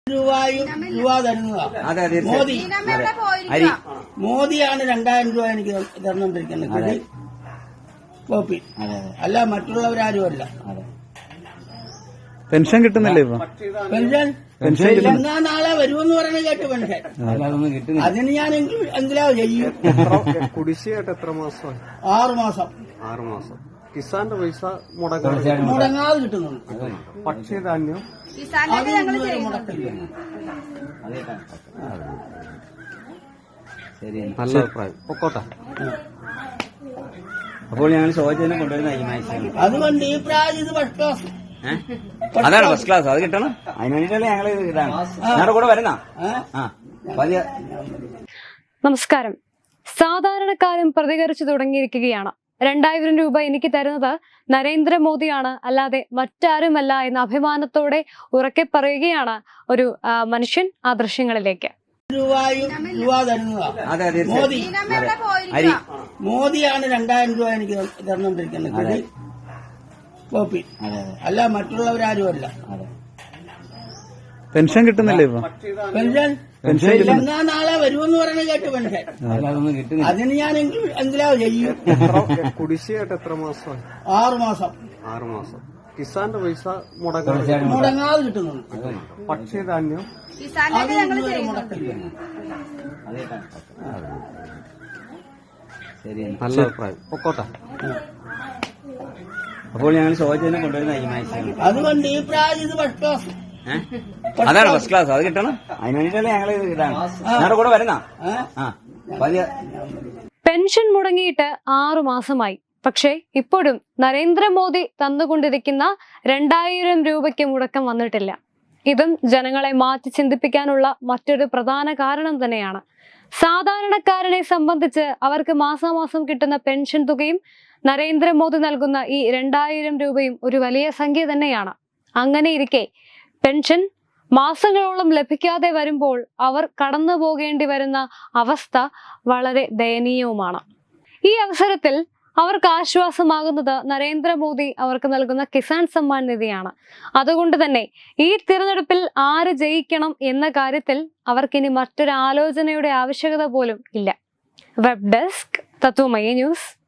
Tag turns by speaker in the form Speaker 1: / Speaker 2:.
Speaker 1: രൂപ തരുന്നതാണ് മോദിയാണ് 2000 രൂപ എനിക്ക് തന്നുകൊണ്ടിരിക്കുന്നത് കോപ്പി. അല്ല മറ്റുള്ളവരാരുമല്ല.
Speaker 2: പെൻഷൻ കിട്ടുന്നില്ലേ ഇപ്പൊ?
Speaker 1: പെൻഷൻ നാളെ വരുമെന്ന് പറയുന്നത് കേട്ട് പെൻഷൻ അതിന് ഞാൻ എങ്കിലാ ചെയ്യും.
Speaker 3: കുടിശ്ശിയായിട്ട് എത്ര മാസം?
Speaker 1: 6 മാസം.
Speaker 3: 6 മാസം. കിസാന്റെ പൈസ
Speaker 1: മുടങ്ങാതെ കിട്ടുന്നുണ്ട്.
Speaker 3: ഭക്ഷ്യധാന്യം നല്ല അഭിപ്രായം. പൊക്കോട്ടെ.
Speaker 2: അപ്പോൾ ഞങ്ങൾ ചോദിച്ചതിനെ കൊണ്ടുവരുന്ന
Speaker 1: അതുകൊണ്ട് ഈ പ്രാവശ്യം ഇത് ഫസ്റ്റ് ക്ലാസ്.
Speaker 2: അതാണ് ഫസ്റ്റ് ക്ലാസ്. അത് കിട്ടണം. അതിന് വേണ്ടിയിട്ടല്ലേ ഞങ്ങള് ഇതാണ് ഞങ്ങളുടെ കൂടെ വരുന്ന.
Speaker 4: നമസ്കാരം. സാധാരണക്കാരും പ്രതികരിച്ചു തുടങ്ങിയിരിക്കുകയാണ്. 2000 രൂപ എനിക്ക് തരുന്നത് നരേന്ദ്രമോദിയാണ്, അല്ലാതെ മറ്റാരുമല്ല എന്ന അഭിമാനത്തോടെ ഉറക്കെ പറയുകയാണ് ഒരു മനുഷ്യൻ ആ ദൃശ്യങ്ങളിലേക്ക്.
Speaker 1: രൂപ തരുന്നതാണ് മോദിയാണ് 2000 രൂപ എനിക്ക് തന്നുകൊണ്ടിരിക്കുന്നത് കോപ്പി. അല്ല മറ്റുള്ളവരാരുമല്ല.
Speaker 2: പെൻഷൻ കിട്ടുന്നില്ലേ ഇപ്പൊ?
Speaker 1: പെൻഷൻ നാളെ വരുമെന്ന് പറയുന്നത് കേട്ട് പെൻഷൻ അതിന് ഞാൻ എങ്കിലാ ചെയ്യും.
Speaker 3: കുടിശ്ശിയായിട്ട് എത്ര മാസം?
Speaker 1: 6 മാസം.
Speaker 3: 6 മാസം. കിസാന്റെ പൈസ
Speaker 1: മുടങ്ങാതെ കിട്ടുന്നുണ്ട്.
Speaker 3: ഭക്ഷ്യധാന്യം നല്ല അഭിപ്രായം. പൊക്കോട്ടെ.
Speaker 2: അപ്പോൾ ഞങ്ങൾ ചോദിച്ചതിനെ കൊണ്ടുവരുന്ന
Speaker 1: അതുകൊണ്ട് ഈ പ്രാവശ്യം ഇത് ഫസ്റ്റ് ക്ലാസ്.
Speaker 2: അതാണ് ഫസ്റ്റ് ക്ലാസ്. അത് കിട്ടണം. അതിന് വേണ്ടിയിട്ടല്ലേ ഞങ്ങള് ഇതാണ് ഞങ്ങളുടെ കൂടെ വരുന്ന.
Speaker 4: പെൻഷൻ മുടങ്ങിയിട്ട് 6 മാസമായി. പക്ഷേ ഇപ്പോഴും നരേന്ദ്രമോദി തന്നുകൊണ്ടിരിക്കുന്ന 2000 രൂപയ്ക്ക് മുടക്കം വന്നിട്ടില്ല. ഇതും ജനങ്ങളെ മാറ്റി ചിന്തിപ്പിക്കാനുള്ള മറ്റൊരു പ്രധാന കാരണം തന്നെയാണ്. സാധാരണക്കാരനെ സംബന്ധിച്ച് അവർക്ക് മാസാമാസം കിട്ടുന്ന പെൻഷൻ തുകയും നരേന്ദ്രമോദി നൽകുന്ന ഈ 2000 രൂപയും ഒരു വലിയ സംഖ്യ തന്നെയാണ്. അങ്ങനെ ഇരിക്കെ പെൻഷൻ മാസങ്ങളോളം ലഭിക്കാതെ വരുമ്പോൾ അവർ കടന്നു പോകേണ്ടി വരുന്ന അവസ്ഥ വളരെ ദയനീയവുമാണ്. ഈ അവസരത്തിൽ അവർക്ക് ആശ്വാസമാകുന്നത് നരേന്ദ്രമോദി അവർക്ക് നൽകുന്ന കിസാൻ സമ്മാൻ നിധിയാണ്. അതുകൊണ്ട് തന്നെ ഈ തിരഞ്ഞെടുപ്പിൽ ആര് ജയിക്കണം എന്ന കാര്യത്തിൽ അവർക്കിനി മറ്റൊരു ആലോചനയുടെ ആവശ്യകത പോലും ഇല്ല. Web desk Tatwamayi news.